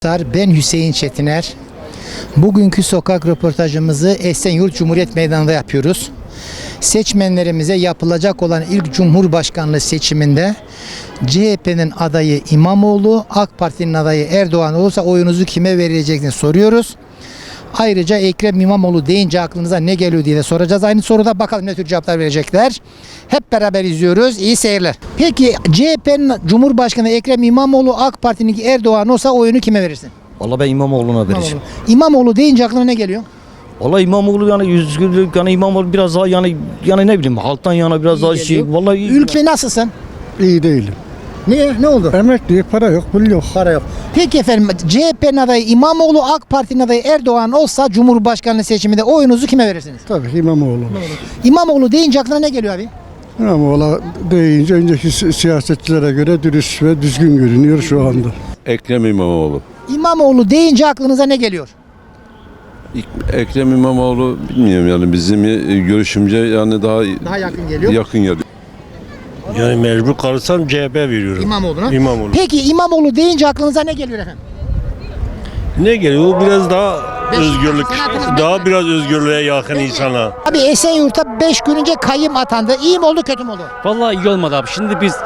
Ben Hüseyin Çetiner. Bugünkü sokak röportajımızı Esenyurt Cumhuriyet Meydanı'nda yapıyoruz. Seçmenlerimize yapılacak olan ilk Cumhurbaşkanlığı seçiminde CHP'nin adayı İmamoğlu, AK Parti'nin adayı Erdoğan olursa oyunuzu kime vereceksiniz soruyoruz. Ayrıca Ekrem İmamoğlu deyince aklınıza ne geliyor diye de soracağız. Aynı soruda bakalım ne tür cevaplar verecekler. Hep beraber izliyoruz. İyi seyirler. Peki CHP'nin Cumhurbaşkanı Ekrem İmamoğlu, AK Parti'nin Erdoğan olsa oyunu kime verirsin? Vallahi ben İmamoğlu'na vereceğim. İmamoğlu deyince aklına ne geliyor? Vallahi İmamoğlu yani yüzgürlük yani İmamoğlu biraz daha yani ne bileyim halktan yana biraz daha şey. Vallahi Ülke nasılsın? İyi değilim. Niye? Ne oldu? Emekli, para yok, pul yok. Para yok. Peki efendim CHP'nin adayı İmamoğlu, AK Parti'nin adayı Erdoğan olsa Cumhurbaşkanlığı seçiminde oyunuzu kime verirsiniz? Tabii İmamoğlu. İmamoğlu deyince aklına ne geliyor abi? İmamoğlu deyince önceki siyasetçilere göre dürüst ve düzgün görünüyor şu anda. Ekrem İmamoğlu. İmamoğlu deyince aklınıza ne geliyor? Ekrem İmamoğlu bilmiyorum yani bizim görüşümce yani Daha yakın geliyor. yakın geliyor. Yani mecbur kalırsam CHP veriyorum. İmamoğlu'na. İmamoğlu. Peki İmamoğlu deyince aklınıza ne geliyor efendim? Ne geliyor? O biraz daha özgürlük. Sanatınız Daha biraz özgürlüğe yakın insana. Abi Esenyurt'a 5 gün önce kayyım atandı. İyi mi oldu kötü mü oldu? Vallahi iyi olmadı abi. Şimdi biz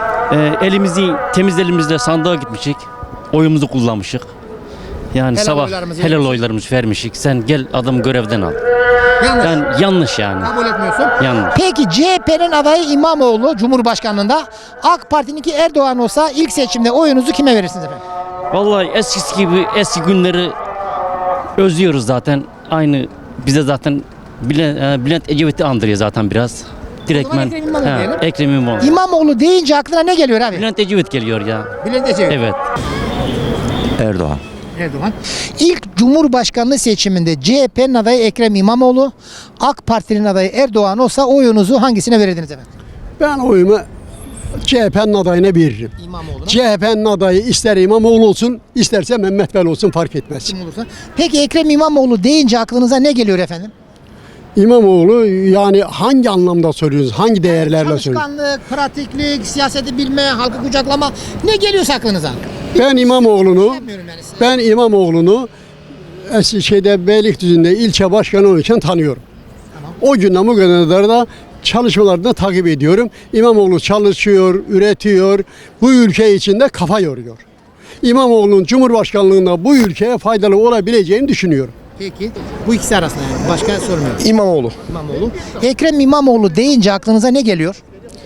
temiz elimizle sandığa gitmişik. Oyumuzu kullanmışık. Yani Helal sabah oylarımızı helal vermişik. oylarımızı vermişik. Sen gel adam görevden al. Yanlış. Yani yanlış yani. Kabul etmiyorsun. Yanlış. Peki CHP'nin adayı İmamoğlu Cumhurbaşkanlığında, AK Parti'ninki Erdoğan olsa ilk seçimde oyunuzu kime verirsiniz efendim? Vallahi eskisi gibi eski günleri özlüyoruz zaten. Aynı bize zaten Bülent Ecevit'i andırıyor zaten biraz. Direktmen Ekrem İmamoğlu diyelim. Ekrem İmamoğlu. İmamoğlu deyince aklına ne geliyor abi? Bülent Ecevit geliyor ya. Bülent Ecevit. Evet. Erdoğan. Erdoğan. İlk Cumhurbaşkanlığı seçiminde CHP'nin adayı Ekrem İmamoğlu, AK Parti'nin adayı Erdoğan olsa oyunuzu hangisine verirdiniz efendim? Ben oyumu CHP'nin adayına veririm. İmamoğlu'na. CHP'nin adayı ister İmamoğlu olsun, isterse Mehmet Bel olsun fark etmez. Kim olursa. Peki Ekrem İmamoğlu deyince aklınıza ne geliyor efendim? İmamoğlu yani hangi anlamda soruyorsunuz, hangi değerlerle soruyorsunuz? Çalışkanlık, pratiklik, siyaseti bilme, halkı kucaklama ne geliyorsa aklınıza? Ben İmamoğlu'nu, Bilmiyorum yani. ben İmamoğlu'nu Beylikdüzü'nde ilçe başkanı için tanıyorum. O günden bugüne kadar da çalışmalarını takip ediyorum. İmamoğlu çalışıyor, üretiyor. Bu ülke içinde kafa yoruyor. İmamoğlu'nun Cumhurbaşkanlığında bu ülkeye faydalı olabileceğini düşünüyorum. Peki. Bu ikisi arasında yani. Başka sormuyorum. İmamoğlu. İmamoğlu. Ekrem İmamoğlu deyince aklınıza ne geliyor?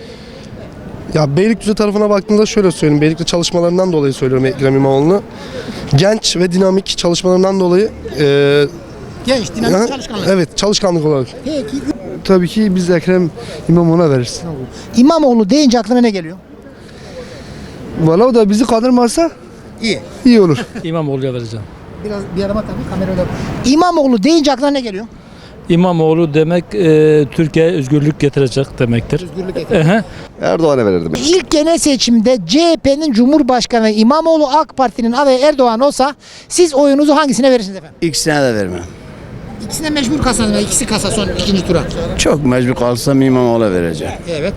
Ya Beylikdüzü tarafına baktığımda şöyle söyleyeyim. Beylikdüzü çalışmalarından dolayı söylüyorum Ekrem İmamoğlu'nu. Genç ve dinamik çalışmalarından dolayı Genç, dinamik çalışkanlık. evet çalışkanlık olarak. Peki. Tabii ki biz Ekrem İmamoğlu'na veririz. İmamoğlu deyince aklına ne geliyor? Valla o da bizi kandırmazsa İyi. iyi olur. İmamoğlu'ya vereceğim. Biraz bir arama tabii kamerayla. İmamoğlu deyince aklına ne geliyor? İmamoğlu demek Türkiye'ye özgürlük getirecek demektir. Özgürlük getirecek. Ehe. Erdoğan'a verirdim. İlk genel seçimde CHP'nin Cumhurbaşkanı İmamoğlu, AK Parti'nin adayı Erdoğan olsa siz oyunuzu hangisine verirsiniz efendim? İkisine de vermem. İkisine mecbur kasanız. İkisi kasa son ikinci tura. Çok mecbur kalsam İmamoğlu'na vereceğim. Evet.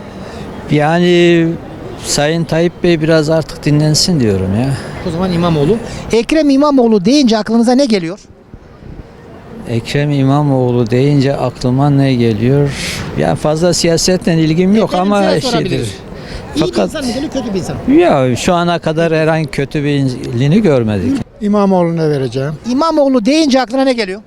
Yani Sayın Tayyip Bey biraz artık dinlensin diyorum ya. O zaman İmamoğlu. Ekrem İmamoğlu deyince aklınıza ne geliyor? Ekrem İmamoğlu deyince aklıma ne geliyor? Yani fazla siyasetle ilgim yok Efendim, ama size sorabiliriz. şeydir. İyi bir Fakat insan mı geliyor, kötü bir insan mı? ya şu ana kadar herhangi kötü birini görmedik. İmamoğlu'na vereceğim. İmamoğlu deyince aklına ne geliyor?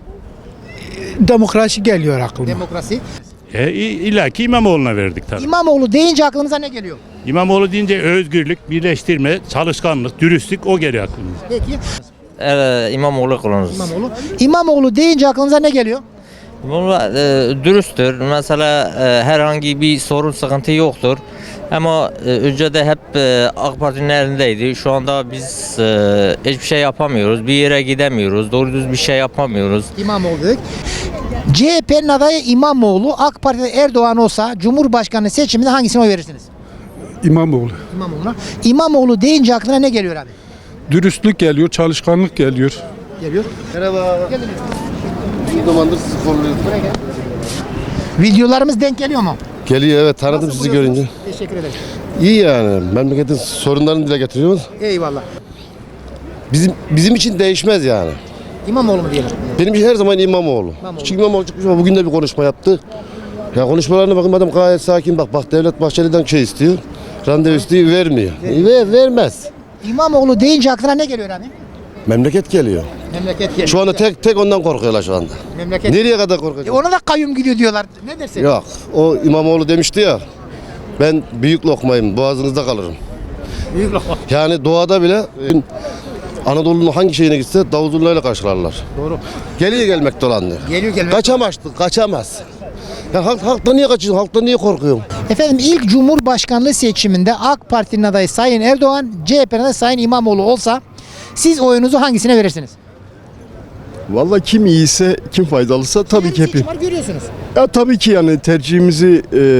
Demokrasi geliyor aklıma. Demokrasi. İlla ki İmamoğlu'na verdik tabii. İmamoğlu deyince aklınıza ne geliyor? İmamoğlu deyince özgürlük, birleştirme, çalışkanlık, dürüstlük o geliyor aklımıza. Peki. İmamoğlu kullanırız. İmamoğlu. İmamoğlu deyince aklınıza ne geliyor? İmamoğlu dürüsttür. Mesela herhangi bir sorun sıkıntı yoktur. Ama önceden hep AK Parti'nin elindeydi. Şu anda biz hiçbir şey yapamıyoruz. Bir yere gidemiyoruz. Doğru düz bir şey yapamıyoruz. İmamoğlu dedik. CHP'nin adayı İmamoğlu, AK Parti'de Erdoğan olsa Cumhurbaşkanı seçiminde hangisine oy verirsiniz? İmamoğlu. İmamoğlu'na. İmamoğlu deyince aklına ne geliyor abi? Dürüstlük geliyor, çalışkanlık geliyor. Geliyor. Merhaba. Gelin. Bir zamandır sizi kolluyorum. Videolarımız denk geliyor mu? Geliyor evet tanıdım Nasıl sizi buluyorsunuz? görünce. Teşekkür ederim. İyi yani memleketin sorunlarını dile getiriyoruz. Eyvallah. Bizim için değişmez yani. İmamoğlu mu diyelim? Benim için her zaman İmamoğlu. Çünkü İmamoğlu çıkmış ama bugün de bir konuşma yaptı. Ya konuşmalarına bakın adam gayet sakin. Bak Devlet Bahçeli'den şey istiyor. Randevu istiyor, vermiyor. Vermez. İmamoğlu deyince aklına ne geliyor abi? Memleket geliyor. Memleket geliyor. Şu anda tek ondan korkuyorlar şu anda. Memleket. Nereye kadar korkacak? Ona da kayyum gidiyor diyorlar. Ne dersin? Yok. O İmamoğlu demişti ya. Ben büyük lokmayım. Boğazınızda kalırım. Büyük lokma. Yani doğada bile Anadolu'nun hangi şeyine gitse davul zurnayla karşılarlar. Doğru. Geliyor gelmek dolanıyor. Geliyor gelmek. Kaçamaz. Ya halktan niye kaçıyorsun? Halktan niye korkuyorsun? Efendim ilk Cumhurbaşkanlığı seçiminde AK Parti'nin adayı Sayın Erdoğan, CHP'nin adayı Sayın İmamoğlu olsa siz oyunuzu hangisine verirsiniz? Vallahi kim iyiyse, kim faydalısa tabii ki Seçim var görüyorsunuz. Ya tabii ki yani tercihimizi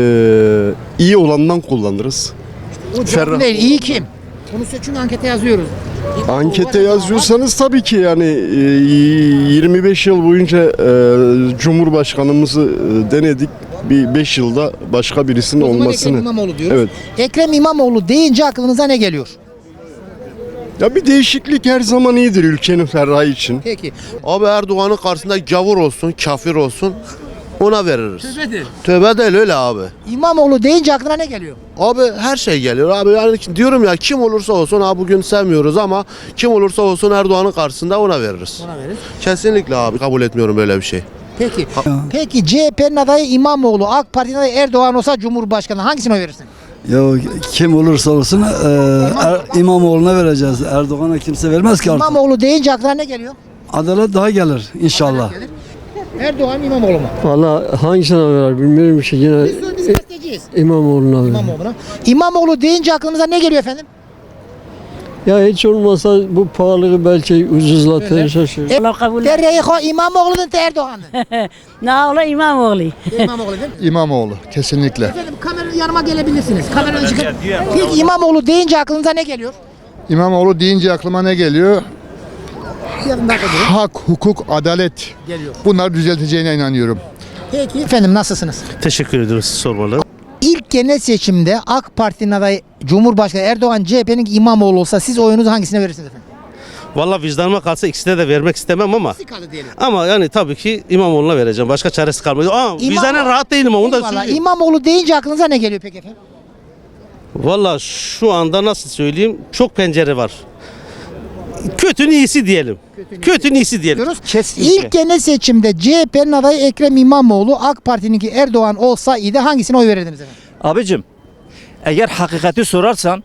iyi olandan kullanırız. O cevap değil. İyi kim? Bunu seçim ankete yazıyoruz. Ankete yazıyorsanız tabii ki yani 25 yıl boyunca Cumhurbaşkanımızı denedik. Bir 5 yılda başka birisinin O zaman olmasını. Ekrem İmamoğlu diyoruz. Evet. Ekrem İmamoğlu deyince aklınıza ne geliyor? Ya bir değişiklik her zaman iyidir ülkenin ferahı için. Peki. Abi Erdoğan'ın karşısında gavur olsun, kafir olsun ona veririz. Tövbedir. Tövbe değil öyle abi. İmamoğlu deyince aklına ne geliyor? Abi her şey geliyor abi yani diyorum ya kim olursa olsun abi bugün sevmiyoruz ama kim olursa olsun Erdoğan'ın karşısında ona veririz. Ona veririz. Kesinlikle abi kabul etmiyorum böyle bir şey. Peki. Peki CHP'nin adayı İmamoğlu, AK Parti'nin adayı Erdoğan olsa Cumhurbaşkanı hangisine oy verirsin? Ya kim olursa olsun İmamoğlu'na vereceğiz. Erdoğan'a kimse vermez ki artık. İmamoğlu deyince aklına ne geliyor? Adalet daha gelir inşallah. Erdoğan mı İmamoğlu mu? Valla hangisine verir bilmiyorum ki yine Biz gazeteciyiz. İmamoğlu'na verir. İmamoğlu'na. İmamoğlu deyince aklınıza ne geliyor efendim? Ya hiç olmasa bu pahalılığı belki ucuzlatır. Derreyi İmamoğlu'nun te Erdoğan'ın. Ne ola İmamoğlu. İmamoğlu değil mi? İmamoğlu kesinlikle. Efendim kameranın yanıma gelebilirsiniz. Kameranın çıkın. Peki İmamoğlu deyince aklınıza ne geliyor? İmamoğlu deyince aklıma ne geliyor? Yarın dakika durun. Hak, hukuk, adalet. Geliyor. Bunları düzelteceğine inanıyorum. Peki. Efendim nasılsınız? Teşekkür ediyoruz sormalı. İlk genel seçimde AK Parti'nin adayı Cumhurbaşkanı Erdoğan, CHP'nin İmamoğlu olsa siz oyunuzu hangisine verirsiniz efendim? Valla vicdanıma kalsa ikisine de vermek istemem ama diyelim. ama yani tabii ki İmamoğlu'na vereceğim. Başka çaresi kalmadı. Ama vicdanen rahat değilim onu da Eyvallah. söyleyeyim. İmamoğlu deyince aklınıza ne geliyor peki efendim? Valla şu anda nasıl söyleyeyim çok pencere var. Kötünün iyisi diyelim. Kötünün iyisi diyelim. Diyoruz. Kesinlikle. İlk genel seçimde CHP'nin adayı Ekrem İmamoğlu, AK Parti'ninki Erdoğan olsaydı hangisine oy verirdiniz efendim? Abicim eğer hakikati sorarsan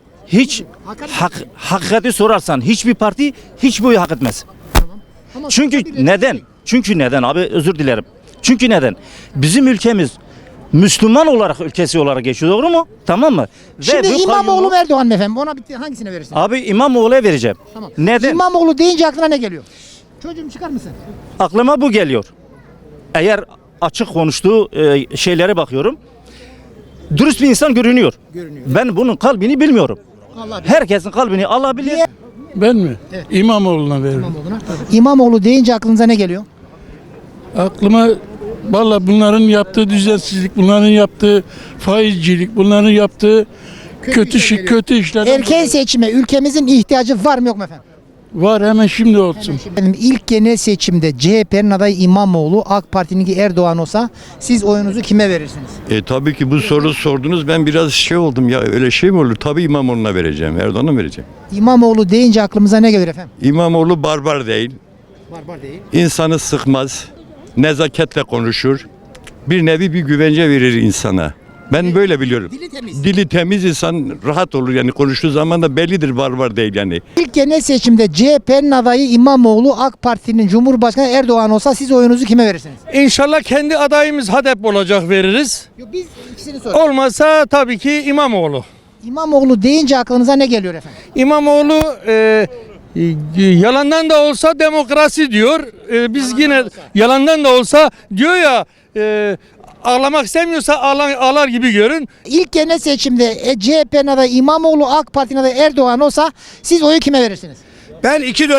hakikati sorarsan hiçbir parti hiçbir oyu hak etmez. Ama Çünkü neden? Çünkü neden abi özür dilerim. Çünkü neden? Bizim ülkemiz Müslüman olarak ülkesi olarak geçiyor doğru mu? Tamam mı? Şimdi bu İmamoğlu mu kayyumu- Erdoğan mı efendim? Ona bitti. Hangisine verirsin? Abi İmamoğlu'ya vereceğim. Tamam. Neden? İmamoğlu deyince aklına ne geliyor? Çocuğum çıkar mısın? Aklıma bu geliyor. Eğer açık konuştuğu şeylere bakıyorum. Dürüst bir insan görünüyor. Ben bunun kalbini bilmiyorum. Allah bilir. Herkesin kalbini alabilir. Ben mi? Evet. İmamoğlu'na veririm. İmamoğlu'na. İmamoğlu deyince aklınıza ne geliyor? Aklıma valla bunların yaptığı düzensizlik, bunların yaptığı faizcilik, bunların yaptığı kötü işler Erken seçime ülkemizin ihtiyacı var mı yok mu efendim? var, hemen şimdi olsun. Efendim ilk genel seçimde CHP'nin adayı İmamoğlu, AK Parti'ninki Erdoğan olsa siz oyunuzu kime verirsiniz? Tabii ki bu soru sordunuz ben biraz şey oldum ya öyle şey mi olur? Tabii İmamoğlu'na vereceğim. Erdoğan'a vereceğim. İmamoğlu deyince aklımıza ne gelir efendim? İmamoğlu barbar değil. Barbar değil. İnsanı sıkmaz. Nezaketle konuşur. Bir nevi bir güvence verir insana. Ben böyle biliyorum. Dili temiz. Dili temiz insan rahat olur yani konuştuğu zaman da bellidir barbar değil yani. İlk genel seçimde CHP'nin adayı İmamoğlu, AK Parti'nin Cumhurbaşkanı Erdoğan olsa siz oyunuzu kime verirsiniz? İnşallah kendi adayımız HDP olacak veririz. Yok biz ikisini soruyoruz. Olmasa tabii ki İmamoğlu. İmamoğlu deyince aklınıza ne geliyor efendim? İmamoğlu yalandan da olsa demokrasi diyor. Biz yine yalandan da olsa diyor ya ağlamak istemiyorsa ağlar gibi görün. İlk genel seçimde CHP'nin adayı İmamoğlu, AK Parti'nin adayı Erdoğan olsa siz oyu kime verirsiniz? Ben 2 dönem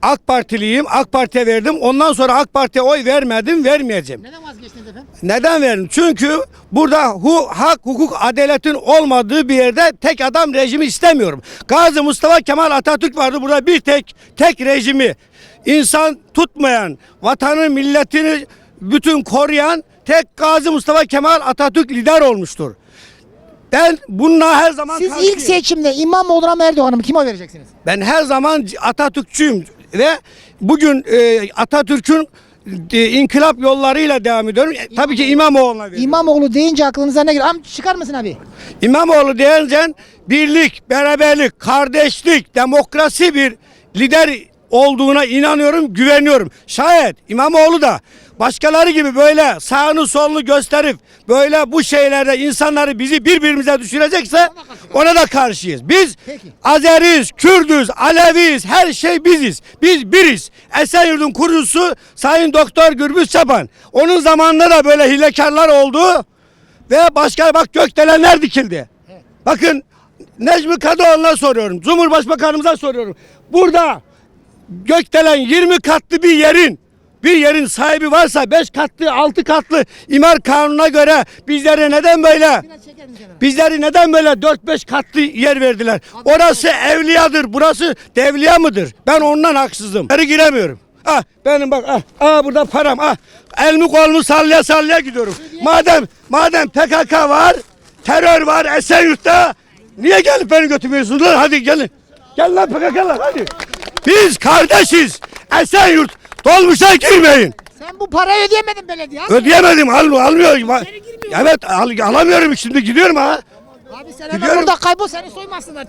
AK Partiliyim. AK Parti'ye verdim. Ondan sonra AK Parti'ye oy vermedim, vermeyeceğim. Neden vazgeçtiniz efendim? Neden verdim? Çünkü burada hak, hukuk, adaletin olmadığı bir yerde tek adam rejimi istemiyorum. Gazi Mustafa Kemal Atatürk vardı. Burada bir tek rejimi insan tutmayan, vatanı, milletini bütün koruyan tek Gazi Mustafa Kemal Atatürk lider olmuştur. Ben bununla her zaman Siz karşıyım. ilk seçimde İmamoğlu'na mı Erdoğan'a mı kime oy vereceksiniz? Ben her zaman Atatürkçüyüm ve bugün Atatürk'ün inkılap yollarıyla devam ediyorum. Tabii ki İmamoğlu'na veriyorum. İmamoğlu deyince aklınıza ne geliyor? Çıkar mısın abi? İmamoğlu deyince birlik, beraberlik, kardeşlik, demokrasi bir lider olduğuna inanıyorum, güveniyorum. Şayet İmamoğlu da başkaları gibi böyle sağını solunu gösterip böyle bu şeylerde insanları bizi birbirimize düşürecekse ona da karşıyız. Biz Azeriz, Kürdüz, Aleviyiz, her şey biziz. Biz biriz. Esenyurt'un kurucusu Sayın Doktor Gürbüz Çapan. Onun zamanında da böyle hilekarlar oldu ve başka bak gökdelenler dikildi. Bakın Necmi Kadıoğlu'na soruyorum, Cumhurbaşkanımıza soruyorum. Burada gökdelen 20 katlı bir yerin sahibi varsa 5 katlı 6 katlı imar kanununa göre bizleri neden böyle 4-5 katlı yer verdiler? Orası evliyadır, burası devliya mıdır? Ben ondan haksızım. Geri giremiyorum. Benim bak burada param elimi kolumu sallaya sallaya gidiyorum. Madem PKK var, terör var Esenyurt'ta niye gelip beni götürmüyorsunuz lan? Hadi gelin. Gel lan PKK'lar hadi. Biz kardeşiz. Esenyurt dolmuşa girmeyin. Sen bu parayı ödeyemedin belediye. Ödeyemedim almıyorum. Evet alamıyorum şimdi gidiyorum ha. Abi sen hemen burada kaybol seni soymasınlar.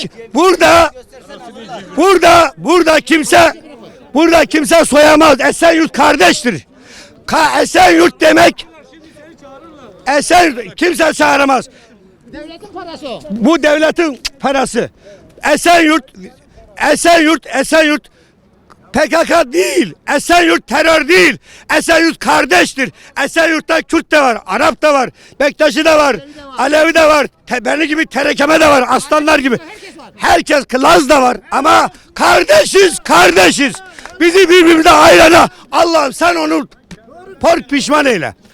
Burada kimse soyamaz. Esenyurt kardeştir. Esenyurt demek Esenyurt kimse çağıramaz. Devletin parası o. Bu devletin parası. Esenyurt PKK değil. Esenyurt terör değil. Esenyurt kardeştir. Esenyurt'ta Kürt de var, Arap da var, Bektaşi de var, Alevi de var, beni gibi terekeme de var, aslanlar gibi. Herkes Laz da var ama kardeşiz. Bizi birbirimize ayrana Allah'ım sen onu pişman eyle.